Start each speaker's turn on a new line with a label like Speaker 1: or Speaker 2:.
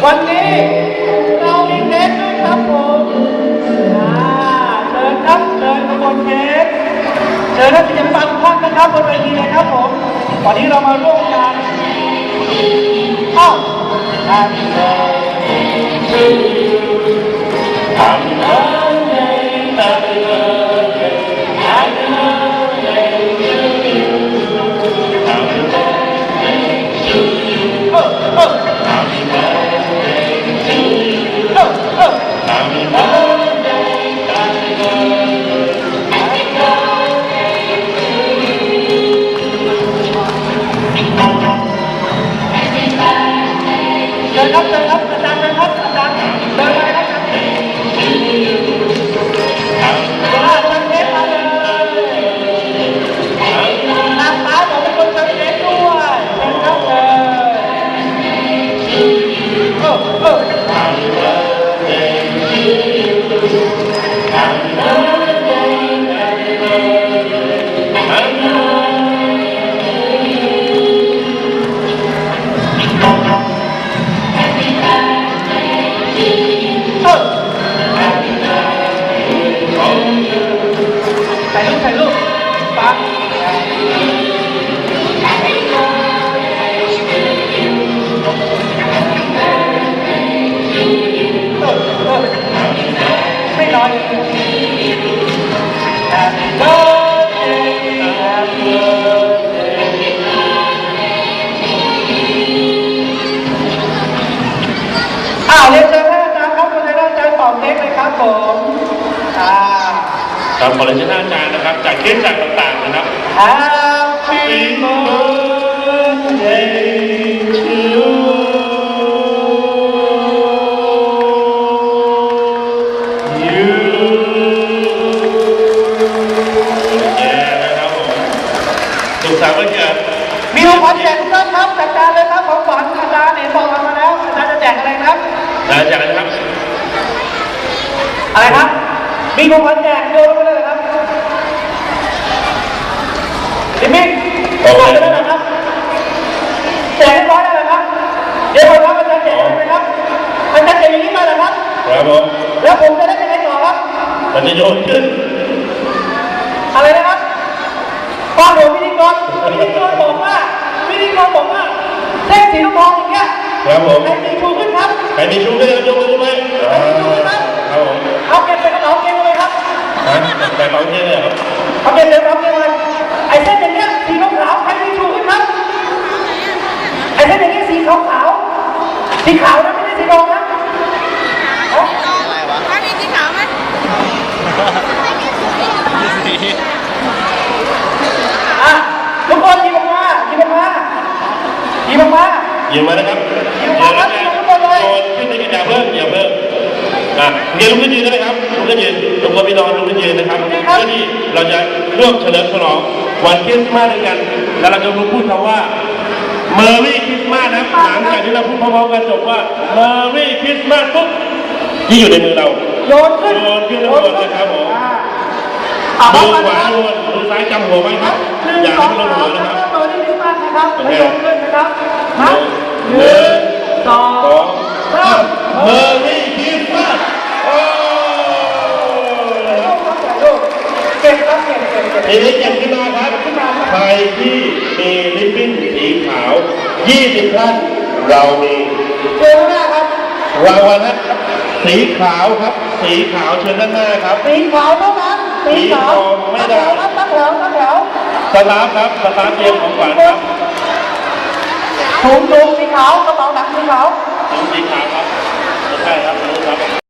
Speaker 1: วันนี้เรามีเค้กด้วยครับผมเชิญครับเชิญขบวนเค้กเชิญนักศิลปะทุกท่านนะครับบนเวทีเลยครับผมวันนี้เรามาร่วมกันHappy birthday to you Happy birthday Happy birthday Happy birthday to you Happy birthday to you Happy birthday to you Happy birthday Happy birthday Happy birthday to you เชิญครับเชิญครับอาจารย์เชิญครับอาจารย์เดินไปครับเชิญเค้กมาเลยนางฟ้าบอกเป็นคนเชิญเค้กด้วยเชิญครับเชิญHappy birthday to you Happy birthday Happy birthday Happyถ่ายรูปปั๊บไม่น้อยเลยHappy birthday Happy birthday เรียนเชิญท่านอาจารย์ครับคุณนายอาจารย์เป่าเค้กเลยครับผม
Speaker 2: ครับขอเรียนเชิญท่านอาจารย์นะครับจากเคสจากต่างๆนะครับ
Speaker 1: Happy birthday to you
Speaker 2: นะครับผมสุขสันต์วันเกิด
Speaker 1: มีของขวัญแจกทุกท่านครับจัดการเลยครับของขวัญอาจารย์เห็นบอกมาแล้วอาจารย์จะแจกอะไรครับ
Speaker 2: อาจารย์นะครับ
Speaker 1: อะไรครับมีของขวัญแจกโยนไปเลยครับดิมิกโอเคนะครับแจกเรียบร้อยแล้วนะครับเดี๋ยวผมรับอาจารย์แจกเลยครับอาจารย์แจกอย่างนี้มาเหรอครับ
Speaker 2: ครับผม
Speaker 1: แล้วผมจะได้ยังไงต่อครับ
Speaker 2: มันจะโยนขึ้น
Speaker 1: อะไรนะครับป้าผมพิธีกรบอกว่าเส้นสีทองอย่างเงี้ย
Speaker 2: ครับผม
Speaker 1: ใครมีชูขึ้นครับ
Speaker 2: ใครมีชูขึ้นยกมือขึ้นไหม
Speaker 1: ครับผมเอาเก็บไปกระเป๋าเก็บเลยครับ
Speaker 2: ไปเป๋าเก็บเลยครับ
Speaker 1: เอาเก็บเลยครับเก็บเลยไอ้เส้นอย่างเงี้ยสีขาวใครมีชูขึ้นครับไอ้เส้นอย่างเงี้ยสีขาวสีขาวนะไม่ใช่สีทองนะ
Speaker 3: อะไรวะถ้ามีสีขาวไหม
Speaker 1: ทุกคนหยิบออกมา
Speaker 2: นะครับโยนขึ้นในกระดาษเพิ่มอย่าเพิ่มเรียนลุกขึ้นยืนได้ไหมครับลุกขึ้นยืนลุกขึ้นพี่น้องลุกขึ้นยืนนะครับเพื่อที่เราจะร่วมเฉลิมฉลองวันคริสต์มาสด้วยกันแล้วเราจะพูดคำว่า Merry Christmas นะหลังจากที่เราพูดพร้อมๆกันจบว่า Merry Christmas ปุ๊บที่อยู่ในมือเรา
Speaker 1: โยนขึ้น
Speaker 2: ทั้งหมดนะครับผมมือขวาโยนมือซ้ายจำหัวไว้ครับอย่าให้มันลงหัวนะครับ
Speaker 1: Merry Christmas นะครับโยนขึ้นนะครับ
Speaker 2: 1 2 3 Merry Christmas
Speaker 1: เก่งครับเก่ง
Speaker 2: ทีนี้เก็บขึ้นมาครับใครที่มีริบบิ้นสีขาว20ท่านเรามี
Speaker 1: เชิญหน้าครับ
Speaker 2: รางวัลนะครับสีขาวครับสีขาวเชิญด้านหน้าครับ
Speaker 1: สีขาวเท่านั้น
Speaker 2: สีขาวไม่ได้
Speaker 1: ตั้งแถวสตา
Speaker 2: ฟครับสตาฟเตรียมของขวัญครับ
Speaker 1: ถุงสีขาวกระเป๋าหนังสีขาว
Speaker 2: ถุงสีขาวครับใช่ครับ